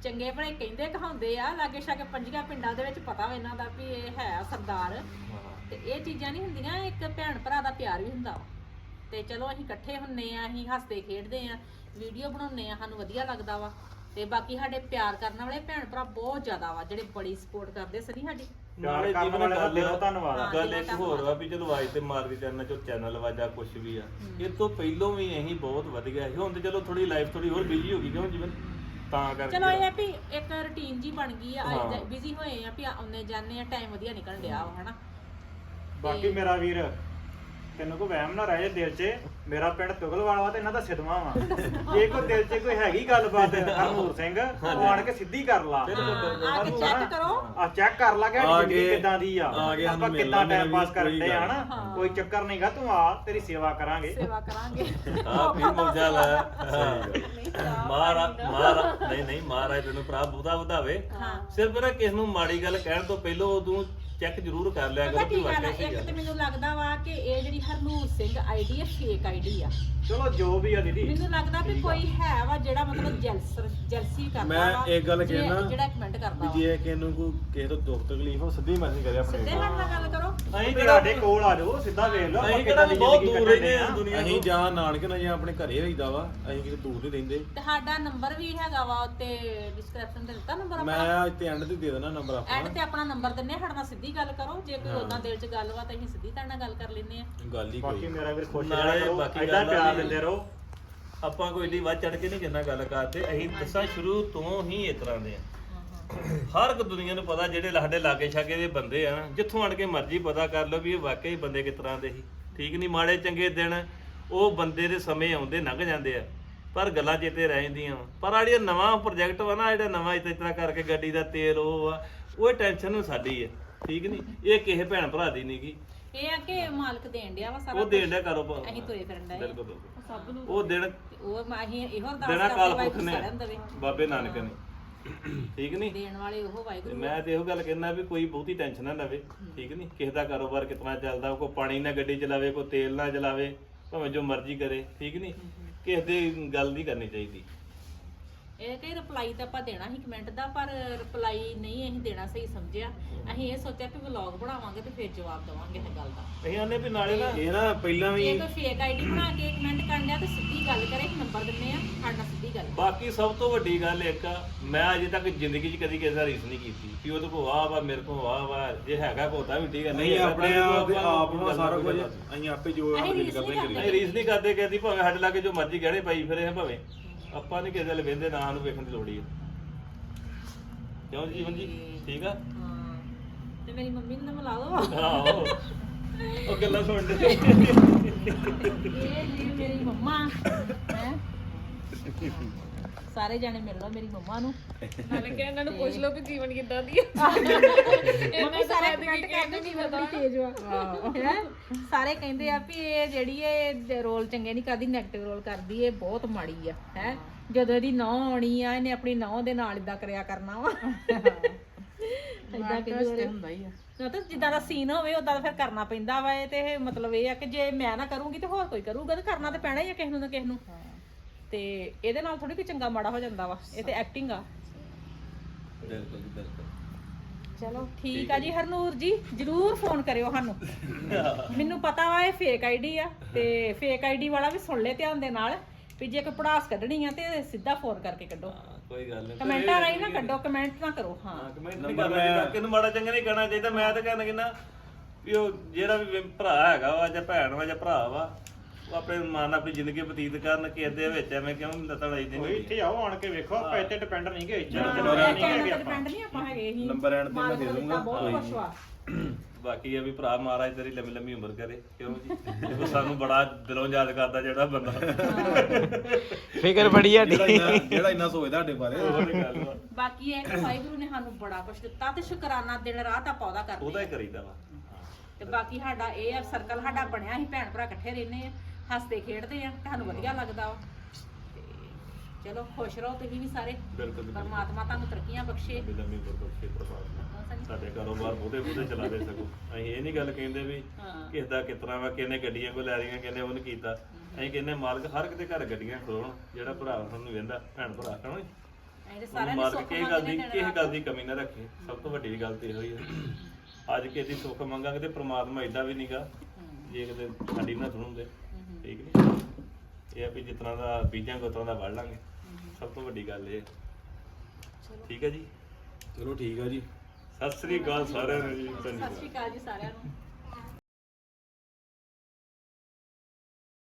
ਚੰਗੇ ਭਲੇ ਕਹਿੰਦੇ ਕਹਾਉਂਦੇ ਆ, ਲਾਗੇ ਛਾਗੇ ਪੰਜੀਆਂ ਪਿੰਡਾਂ ਦੇ ਵਿੱਚ ਪਤਾ ਵਾ ਇਹਨਾਂ ਦਾ ਵੀ ਇਹ ਹੈ ਸਰਦਾਰ। ਤੇ ਇਹ ਚੀਜ਼ਾਂ ਨਹੀਂ ਹੁੰਦੀਆਂ, ਇੱਕ ਭੈਣ ਭਰਾ ਦਾ ਪਿਆਰ ਵੀ ਹੁੰਦਾ ਵਾ। ਤੇ ਚਲੋ ਅਸੀਂ ਇਕੱਠੇ ਹੁੰਨੇ ਆ, ਅਸੀਂ ਹੱਸਦੇ ਖੇਡਦੇ ਆ, ਵੀਡੀਓ ਬਣਾਉਂਦੇ ਆ, ਸਾਨੂੰ ਵਧੀਆ ਲੱਗਦਾ ਵਾ। ਤੇ ਬਾਕੀ ਸਾਡੇ ਪਿਆਰ ਕਰਨ ਵਾਲੇ ਭੈਣ ਭਰਾ ਬਹੁਤ ਜ਼ਿਆਦਾ ਵਾ, ਜਿਹੜੇ ਬੜੀ ਸਪੋਰਟ ਕਰਦੇ ਸਨੀ ਸਾਡੀ। ਪਿਆਰ ਕਰਨ ਵਾਲੇ ਦਾ ਦਿਲੋਂ ਧੰਨਵਾਦ ਆ। ਗੱਲ ਇੱਕ ਹੋਰ ਵਾ ਵੀ ਚਲੋ ਆਵਾਜ਼ ਤੇ ਮਾਰ ਕੇ ਚੈਨਲ ਚੋਂ ਚੈਨਲ ਵਾਜਾ ਕੁਝ ਵੀ ਆ, ਇਹ ਤੋਂ ਪਹਿਲੋਂ ਵੀ ਅਸੀਂ ਬਹੁਤ ਵਧੀਆ ਸੀ। ਹੁਣ ਤੇ ਚਲੋ ਥੋੜੀ ਲਾਈਫ ਥੋੜੀ ਹੋਰ ਬਿਜ਼ੀ ਹੋ ਗਈ ਕਿਉਂ ਜਿਵੇਂ ਤਾਂ ਕਰਕੇ ਚਲੋ ਇਹ ਆ ਵੀ ਇੱਕ ਰੁਟੀਨ ਜੀ ਬਣ ਗਈ ਆ, ਹਾਂ। ਬਿਜ਼ੀ ਹੋਏ ਆ ਵੀ ਆਉਂਦੇ ਜਾਂਦੇ ਆ, ਟਾਈਮ ਵਧੀਆ ਨਿਕਲ ਡਿਆ ਵਾ ਹਨਾ। ਬਾਕੀ ਮੇਰਾ ਵੀਰ ਤੈਨੂੰ ਕੋਈ ਵਹਿਮ ਨਾ ਰਹੇ ਦਿਲ 'ਚ, ਮੇਰਾ ਪਿੰਡ ਤੁਗਲਵਾਲ ਵਾ ਤੇ ਇਹਨਾਂ ਦਾ ਸਿਦਮਾ ਵਾ। ਜੇ ਕੋਈ ਦਿਲ 'ਚ ਕੋਈ ਹੈਗੀ ਗੱਲਬਾਤ ਹਰਨੂਰ ਸਿੰਘ, ਉਹ ਆਣ ਕੇ ਸਿੱਧੀ ਕਰ ਲਾ। ਆ ਕੇ ਚੈੱਕ ਕਰੋ, ਆ ਚੈੱਕ ਕਰ ਲਾ ਕਿ ਆ ਸਾਡੀ ਜ਼ਿੰਦਗੀ ਕੇ- ਕਿੱਦਾਂ ਦੀ ਆ, ਆ ਕੇ ਆਪਾਂ ਸਾਨੂੰ ਮਿਲ ਕਿੱਦਾਂ ਲਾ, ਟਾਈਮ ਮੇਰਾ ਪਾਸ ਵੀ ਕਰਦੇ ਕੋਈ ਆ ਗੱਲ ਹਨਾ। ਹਾਂ। ਕੋਈ ਚੱਕਰ ਨਹੀਂਗਾ, ਤੂੰ ਆ, ਤੇਰੀ ਸੇਵਾ ਕਰਾਂਗੇ। ਸੇਵਾ ਕਰਾਂਗੇ। ਆ ਵੀ ਮੌਜਾ ਲਾ ਮਹਾਰਾਜ ਮਹਾਰਾਜ ਨਹੀਂ ਨਹੀਂ ਮਹਾਰਾਜ ਤੈਨੂੰ ਭਰਾ ਬਹੁਤਾ ਵਧਾਵੇ। ਹਾਂ। ਸਿਰਫ ਨਾ ਕਿਸ ਨੂੰ ਮਾੜੀ ਗੱਲ ਕਹਿਣ ਤੋਂ ਪਹਿਲਾਂ ਤੂੰ ਚੈੱਕ ਜ਼ਰੂਰ ਕਰ ਲਿਆ ਪਤਾ ਕਰੋ ਕੀ ਕਿ ਗੱਲ ਆ, ਵਾਕਿਆ ਇੱਕ ਸਹੀ ਤੇ ਆ। ਮੈਨੂੰ ਲੱਗਦਾ ਵਾ ਕਿ ਇਹ ਜਿਹੜੀ ਹਰਨੂਰ ਸਿੰਘ ਆਈਡੀ ਹੈ ਫੇਕ ਆਈਡੀ ਆ। ਚਲੋ ਜੋ ਵੀ ਆ ਦੀਦੀ, ਮੈਨੂੰ ਲੱਗਦਾ ਵੀ ਕੋਈ ਹੈ ਵਾ ਜਿਹੜਾ ਮਤਲਬ ਜੈਲਸ ਜੈਲਸੀ ਕਰਦਾ ਮੈਂ ਵਾ, ਇੱਕ ਗੱਲ ਜੇ- ਕਹਿਣਾ ਜਿਹੜਾ ਕਮੈਂਟ ਕਰਦਾ ਵੀ ਵਾ। ਜੇ ਕਿਸੇ ਨੂੰ ਕੋਈ ਕਿਸੇ ਤੋਂ ਦੁੱਖ ਤਕਲੀਫ ਹੋ ਸਿੱਧੀ ਮੈਸੇਜ ਕਰੇ ਆਪਣੇ ਸਿੱਧੇ ਨਾਲ ਨਾਲ ਗੱਲ ਕਰੋ। ਅਸੀਂ ਤੁਹਾਡੇ ਕੋਲ ਆ ਜਾਓ, ਸਿੱਧਾ ਵੇਖ ਲਓ ਆਪਾਂ ਅਸੀਂ ਕਿੱਦਾਂ ਕਿਹੜਾ ਦੀ ਬਹੁਤ ਜ਼ਿੰਦਗੀ ਦੂਰ ਕੱਢਦੇ ਰਹਿੰਦੇ ਆ। ਆ ਦੁਨੀਆ ਅਸੀਂ ਤੋਂ। ਜਾਂ ਨਾਨਕੇ ਨਾਲ ਜਾਂ ਆਪਣੇ ਘਰੇ ਰਹੀਦਾ ਵਾ, ਅਸੀਂ ਕਿਤੇ ਦੂਰ ਨਹੀਂ ਰਹਿੰਦੇ। ਤੇ ਸਾਡਾ ਨੰਬਰ ਵੀ ਹੈਗਾ ਵਾ ਉੱਤੇ ਡਿਸਕ੍ਰਿਪਸ਼ਨ ਤੇ ਦਿੱਤਾ ਨੰਬਰ ਮੈਂ ਆਪਣਾ। ਇੱਥੇ ਐਂਡ ਤੇ ਦੇ ਦੇਣਾ ਨੰਬਰ ਐਡ ਆਪਣਾ। ਤੇ ਆਪਣਾ ਨੰਬਰ ਦਿੰਨੇ ਆ, ਸਾਡੇ ਨਾਲ ਸਿੱਧੀ ਗੱਲ ਕਰੋ। ਜੇ ਕੋਈ ਉਹਨਾਂ ਦਿਲ 'ਚ ਗੱਲ ਵਾ ਤਾਂ ਅਸੀਂ ਸਿੱਧੀ ਤੁਹਾਡੇ ਨਾਲ ਗੱਲ ਕਰ ਲੈਂਦੇ ਆ। ਗੱਲ ਹੀ ਬਾਕੀ ਕੋਈ ਮੇਰਾ ਵੀਰ ਖੁਸ਼ ਨਾਲੇ ਰਹਿਣਾ ਕਰੋ, ਬਾਕੀ ਏਦਾਂ ਗੱਲ ਆ ਪਿਆਰ ਵੀ- ਦਿੰਦੇ ਰਹੋ। ਆਪਾਂ ਕੋਈ ਏਡੀ ਵੱਧ ਚੜ ਕੇ ਨਹੀਂ ਕਿੰਨਾ ਗੱਲ ਕਰਦੇ, ਅਸੀਂ ਦੱਸਾਂ ਸ਼ੁਰੂ ਤੋਂ ਹੀ ਇਸ ਤਰ੍ਹਾਂ ਦੇ ਆ। ਹਰ ਇੱਕ ਦੁਨੀਆ ਨੂੰ ਪਤਾ ਜਿਹੜੇ ਸਾਡੇ ਲਾਗੇ ਛਾਗੇ ਦੇ ਬੰਦੇ ਆ ਨਾ, ਜਿੱਥੋਂ ਆਣ ਕੇ ਮਰਜ਼ੀ ਪਤਾ ਕਰ ਲਓ ਵੀ ਇਹ ਵਾਕਈ ਬੰਦੇ ਕਿਸ ਤਰ੍ਹਾਂ ਦੇ ਸੀ। ਠੀਕ ਨਹੀਂ, ਮਾੜੇ ਚੰਗੇ ਦਿਨ ਉਹ ਬੰਦੇ ਦੇ ਸਮੇਂ ਆਉਂਦੇ ਲੰਘ ਜਾਂਦੇ ਆ, ਪਰ ਗੱਲਾਂ ਚੇਤੇ ਰਹਿ ਜਾਂਦੀਆਂ ਵਾ। ਪਰ ਆ ਜਿਹੜਾ ਨਵਾਂ ਪ੍ਰੋਜੈਕਟ ਵਾ ਨਾ, ਜਿਹੜਾ ਨਵਾਂ ਇਸ ਤਰ੍ਹਾਂ ਕਰਕੇ ਗੱਡੀ ਦਾ ਤੇਲ ਉਹ ਆ, ਉਹ ਟੈਨਸ਼ਨ ਸਾਡੀ ਹੈ। ਠੀਕ ਨਹੀਂ, ਇਹ ਕਿਸੇ ਭੈਣ ਭਰਾ ਦੀ ਨਹੀਂ ਗੀ, ਇਹ ਆ ਕਿ ਮਾਲਕ ਦੇਣ ਡਿਆ ਵਾ ਸਾਰਾ ਉਹ ਦੇਣ ਦਾ ਕਾਰੋਬਾਰ। ਅਸੀਂ ਤੁਰੇ ਫਿਰਨ ਡਏ ਆ। ਬਿਲਕੁਲ ਬਿਲਕੁਲ। ਸਭ ਨੂੰ ਉਹ ਦਿਨ ਉਹ ਮੈਂ ਅਸੀਂ ਇਹੋ ਅਰਦਾਸ ਦੇਣਾ ਕਰਦੇ ਕਾਲ ਵਾਹਿਗੁਰੂ ਪੁਰਖ ਨੇ, ਸਾਰਿਆਂ ਨੂੰ ਦੇਵੇ। ਬਾਬੇ ਨਾਨਕ ਨੇ। ਠੀਕ ਨਹੀਂ, ਦੇਣ ਵਾਲੇ ਉਹ ਤੇ ਵਾਹਿਗੁਰੂ। ਮੈਂ ਤੇ ਇਹੋ ਗੱਲ ਕਹਿਣਾ ਵੀ ਕੋਈ ਬਹੁਤੀ ਟੈਨਸ਼ਨ ਨਾ ਲਵੇ। ਠੀਕ ਨਹੀਂ, ਕਿਸੇ ਦਾ ਕਾਰੋਬਾਰ ਕਿਤਨਾ ਚੱਲਦਾ, ਕੋਈ ਪਾਣੀ ਨਾਲ ਗੱਡੀ ਚਲਾਵੇ, ਕੋਈ ਤੇਲ ਨਾਲ ਚਲਾਵੇ, ਭਾਵੇਂ ਜੋ ਮਰਜ਼ੀ ਕਰੇ। ਠੀਕ ਨਹੀਂ, ਕਿਸੇ ਦੀ ਗੱਲ ਨਹੀਂ ਕਰਨੀ ਚਾਹੀਦੀ। ਇਹ ਕਿ ਰਿਪਲਾਈ ਤਾਂ ਆਪਾਂ ਦੇਣਾ ਸੀ ਕਮੈਂਟ ਦਾ, ਪਰ ਰਿਪਲਾਈ ਨਹੀਂ ਅਸੀਂ ਦੇਣਾ ਸਹੀ ਸਮਝਿਆ। ਅਸੀਂ ਇਹ ਸੋਚਿਆ ਕਿ ਵਲੌਗ ਬਣਾਵਾਂਗੇ ਤੇ ਫਿਰ ਜਵਾਬ ਦੇਵਾਂਗੇ ਇਸ ਗੱਲ ਦਾ। ਅਸੀਂ ਆਨੇ ਵੀ ਨਾਲੇ ਨਾ ਇਹ ਨਾ ਪਹਿਲਾਂ ਵੀ ਜੇ ਕੋਈ ਫੇਕ ਆਈਡੀ ਬਣਾ ਕੇ ਕਮੈਂਟ ਕਰਨ ਡਿਆ ਤਾਂ ਸਿੱਧੀ ਗੱਲ ਕਰੇ, ਨੰਬਰ ਦਿੰਨੇ ਆ, ਸਾਡਾ ਸਿੱਧੀ ਗੱਲ। ਬਾਕੀ ਸਭ ਤੋਂ ਵੱਡੀ ਗੱਲ ਇੱਕ ਆ, ਮੈਂ ਅਜੇ ਤੱਕ ਜ਼ਿੰਦਗੀ 'ਚ ਕਦੀ ਕਿਸੇ ਦਾ ਰੀਸ ਨਹੀਂ ਕੀਤੀ ਕਿ ਉਹਦੇ ਕੋਲ ਆਹ ਵਾ, ਮੇਰੇ ਕੋਲ ਆਹ ਵਾ। ਜੇ ਹੈਗਾ ਕੋ ਤਾਂ ਵੀ ਠੀਕ ਹੈ, ਨਹੀਂ ਹੈਗਾ ਆਪਣੇ ਤਾਂ ਆਪ ਦੇ ਆਪਾਂ ਆਪ ਨੂੰ ਸਾਰਾ ਕੁਝ ਅਸੀਂ ਅਸੀਂ ਆਪੇ ਜੋ ਅਸੀਂ ਦਿਲ ਰੀਸ ਕਰਦੇ ਨਹੀਂ ਕਰੀਏ। ਰੀਸ ਨਹੀਂ ਕਰਦੇ ਕਿਸੇ ਦੀ, ਭਾਵੇਂ ਸਾਡੇ ਲਾਗੇ ਜੋ ਮਰਜ਼ੀ ਗਹਿਣੇ ਪਾਈ ਫਿਰੇ ਆ, ਭਾਵੇਂ ਆਪਾਂ ਨਹੀਂ ਕਿਸੇ ਦੇ ਵੇਂਦੇ ਨਾ ਨੂੰ ਵੇਖਣ ਦੀ ਲੋੜ ਹੀ ਹੈ। ਕਿਉਂ ਜੀਵਨ ਜੀ? ਠੀਕ ਆ। ਹਾਂ, ਤੇ ਮੇਰੀ ਮੰਮੀ ਨੂੰ ਤਾਂ ਮਿਲਾ ਦੋ। ਆਹੋ, ਉਹ ਗੱਲਾਂ ਸੁਣ ਦੇ। ਇਹ ਜੀ ਮੇਰੀ ਮੰਮਾ ਹੈ। ਸਾਰੇ ਜਾਣੇ ਮਿਲ ਲਓ ਮੇਰੀ ਮੰਮਾ ਨੂੰ। ਨਾਲੇ ਕਿ ਇਹਨਾਂ ਨੂੰ ਪੁੱਛ ਲਓ ਵੀ ਜੀਵਨ ਕਿੱਦਾਂ ਦੀ ਆ। ਮੰਮੀ ਸਾਰੇ ਕਮੈਂਟ ਕਰਦੇ ਕਿ ਬੜੀ ਤੇਜ਼ ਵਾ। ਹੈ ਸਾਰੇ ਕਹਿੰਦੇ ਆ ਵੀ ਇਹ ਜਿਹੜੀ ਇਹ ਰੋਲ ਚੰਗੇ ਨਹੀਂ ਕਰਦੀ, ਨੈਗੇਟਿਵ ਰੋਲ ਕਰਦੀ, ਇਹ ਬਹੁਤ ਮਾੜੀ ਆ। ਹੈ ਜਦੋਂ ਇਹਦੀ ਨੌਂ ਆਉਣੀ ਆ, ਇਹਨੇ ਆਪਣੀ ਨੌਂ ਦੇ ਨਾਲ ਇਦਾਂ ਕਰਿਆ ਕਰਨਾ ਵਾ। ਇਦਾਂ ਕਹਿੰਦੇ ਹੁੰਦਾ ਹੀ ਆ ਨਾ, ਤਾਂ ਜਿੱਦਾਂ ਦਾ ਸੀਨ ਹੋਵੇ ਉਦਾਂ ਦਾ ਫਿਰ ਕਰਨਾ ਪੈਂਦਾ ਵਾ। ਇਹ ਤੇ ਇਹ ਮਤਲਬ ਇਹ ਆ ਕਿ ਜੇ ਮੈਂ ਨਾ ਕਰੂੰਗੀ ਤੇ ਹੋਰ ਕੋਈ ਕਰੂਗਾ, ਤੇ ਕਰਨਾ ਤੇ ਪੈਣਾ ਹੀ ਆ ਕਿਸੇ ਨੂੰ ਨਾ ਕਿਸੇ ਨੂੰ। ਤੇ ਇਹਦੇ ਨਾਲ ਥੋੜੀ ਕੋਈ ਚੰਗਾ ਮਾੜਾ ਹੋ ਜਾਂਦਾ ਵਾ, ਇਹ ਤੇ ਐਕਟਿੰਗ ਆ। ਬਿਲਕੁਲ ਬਿਲਕੁਲ। ਚਲੋ ਠੀਕ ਆ ਜੀ ਹਰਨੂਰ ਜੀ, ਜਰੂਰ ਫੋਨ ਕਰਿਓ ਸਾਨੂੰ। ਮੈਨੂੰ ਪਤਾ ਵਾ ਇਹ ਫੇਕ ਆਈਡੀ ਆ, ਤੇ ਫੇਕ ਆਈਡੀ ਵਾਲਾ ਵੀ ਸੁਣ ਲੈ ਧਿਆਨ ਦੇ ਨਾਲ ਵੀ ਜੇ ਕੋਈ ਪੜਾਸ ਕੱਢਣੀ ਆ ਤੇ ਸਿੱਧਾ ਫੋਨ ਕਰਕੇ ਕੱਢੋ। ਕੋਈ ਗੱਲ ਨਹੀਂ, ਕਮੈਂਟਾਂ ਰਾਹੀਂ ਨਾ ਕੱਢੋ, ਕਮੈਂਟ ਨਾ ਕਰੋ। ਹਾਂ ਕਮੈਂਟ ਨਹੀਂ ਕਰਨਾ, ਕਿਹਨੂੰ ਮਾੜਾ ਚੰਗਾ ਨਹੀਂ ਕਹਿਣਾ ਚਾਹੀਦਾ। ਮੈਂ ਤਾਂ ਕਹਿਣਾ ਕਿ ਵੀ ਉਹ ਜਿਹੜਾ ਵੀ ਭਰਾ ਹੈਗਾ ਵਾ ਜਾਂ ਭੈਣ ਵਾ ਜਾਂ ਭਰਾ ਵਾ, ਉਹ ਆਪਣੇ ਮਾਂ ਨਾਲ ਆਪਣੀ ਜ਼ਿੰਦਗੀ ਬਤੀਤ ਕਰਨ, ਕਿਸੇ ਦੇ ਵਿੱਚ ਐਵੇਂ ਕਿਉਂ ਲੱਤਾਂ ਲਾਈਦੇ ਕੋਈ ਨਹੀਂ। ਇੱਥੇ ਆਓ ਆਣ ਕੇ ਵੇਖੋ, ਆਪਾਂ ਇੱਥੇ ਡਿਪੈਂਡ ਨਹੀਂ ਗਏ, ਇੱਥੇ ਡਿਪੈਂਡ ਨਹੀਂ ਹੈਗੇ ਆਪਾਂ। ਨਹੀਂ ਆਪਾਂ ਹੈਗੇ ਹੀ। ਨੰਬਰ ਐਂਡ ਤੇ ਮੈਂ ਦੇ ਦੂੰਗਾ। ਬਹੁਤ ਕੁਛ ਵਾ। ਬਾਕੀ ਇਹ ਵੀ ਭਰਾ ਮਹਾਰਾਜ ਤੇਰੀ ਲੰਮੀ ਲੰਮੀ ਉਮਰ ਕਰੇ। ਕਿਉਂ ਜੀ? ਦੇਖੋ ਸਾਨੂੰ ਬੜਾ ਦਿਲੋਂ ਯਾਦ ਕਰਦਾ ਜਿਹੜਾ ਬੰਦਾ। ਫਿਕਰ ਬੜੀ ਆ ਜਿਹੜਾ ਇੰਨਾ ਜਿਹੜਾ ਇੰਨਾ ਸੋਚਦਾ ਸਾਡੇ ਬਾਰੇ। ਉਹਦੀ ਗੱਲ ਵਾ, ਬਾਕੀ ਇਹ ਕਿ ਵਾਹਿਗੁਰੂ ਨੇ ਸਾਨੂੰ ਬੜਾ ਕੁਛ ਦਿੱਤਾ ਤੇ ਸ਼ੁਕਰਾਨਾ ਦਿਨ ਰਾਤ ਆਪਾਂ ਉਹਦਾ ਕਰਦੇ ਉਹਦਾ ਆ। ਹੀ ਕਰੀਦਾ ਵਾ। ਤੇ ਬਾਕੀ ਸਾਡਾ ਇਹ ਆ ਸਰਕਲ ਸਾਡਾ ਬਣਿਆ, ਅਸੀਂ ਭੈਣ ਭਰਾ ਇਕੱਠੇ ਰਹਿੰਦੇ ਆ, ਹੱਸਦੇ ਖੇਡਦੇ ਆ, ਤੁਹਾਨੂੰ ਵਧੀਆ ਲੱਗਦਾ ਵਾ। ਤੇ ਚਲੋ ਖੁਸ਼ ਰਹੋ ਤੁਸੀਂ ਵੀ ਸਾਰੇ। ਬਿਲਕੁਲ ਪਰਮਾਤਮਾ ਤੁਹਾਨੂੰ ਤਰੱਕੀਆਂ ਬਖਸ਼ੇ। ਲੰਮੀ ਲੰਮੀ ਉਮਰ ਬਖਸ਼ੇ ਪ੍ਰਮਾਤਮਾ। ਸਾਡੇ ਕਾਰੋਬਾਰ ਬਹੁਤੇ ਬਹੁਤੇ ਚਲਾਵੇ ਸਕੋ। ਅਸੀਂ ਇਹ ਨਹੀਂ ਗੱਲ ਕਹਿੰਦੇ ਵੀ ਹਾਂ। ਕਿਸ ਦਾ ਕਿਸ ਤਰ੍ਹਾਂ ਵਾ, ਕਿਹਨੇ ਗੱਡੀਆਂ ਕੋ ਲੈ ਰਹੀਆਂ, ਕਿਹਨੇ ਉਹ ਨਹੀਂ ਕੀਤਾ। ਅਸੀਂ ਕਹਿੰਦੇ ਮਾਲਕ ਹਰ ਇੱਕ ਦੇ ਘਰ ਗੱਡੀਆਂ ਖਲੋਣ, ਜਿਹੜਾ ਭਰਾ ਸਾਨੂੰ ਵੇਂਦਾ ਭੈਣ ਭਰਾ ਕਹੋ। ਜਿਹੜੇ ਉਹਨੂੰ ਸਾਰਿਆਂ ਮਾਰ ਦੇ ਕੇ ਸੁੱਖ ਕਿਸੇ ਗੱਲ ਦੀ ਮੰਗਦੇ ਕਿਸੇ ਗੱਲ ਦੀ ਕਮੀ ਨਾ ਰੱਖੇ ਸਭ ਤੋਂ ਵੱਡੀ ਗੱਲ ਤੇ ਇਹੋ ਹੀ ਹੈ ਅੱਜ ਕਿਸੇ ਦੀ ਸੁੱਖ ਮੰਗਾਂਗੇ ਤੇ ਪ੍ਰਮਾਤਮਾ ਏਦਾਂ ਵੀ ਨਹੀਂਗਾ ਜੇ ਕਿਤੇ ਸਾਡੀ ਨਾ ਸੁਣੂਗੇ ਠੀਕ ਨਹੀਂ ਇਹ ਆ ਵੀ ਜਿਸ ਤਰ੍ਹਾਂ ਦਾ ਬੀਜਾਂ ਗੋਤਰਾਂ ਦਾ ਵੜ ਲਾਂਗੇ ਸਭ ਤੋਂ ਵੱਡੀ ਗੱਲ ਇਹ ਠੀਕ ਹੈ ਜੀ ਚਲੋ ਠੀਕ ਆ ਜੀ ਸਤਿ ਸ੍ਰੀ ਅਕਾਲ ਸਾਰਿਆਂ ਨੂੰ ਜੀ ਸਤਿ ਸ਼੍ਰੀ ਅਕਾਲ ਜੀ ਸਾਰਿਆਂ ਨੂੰ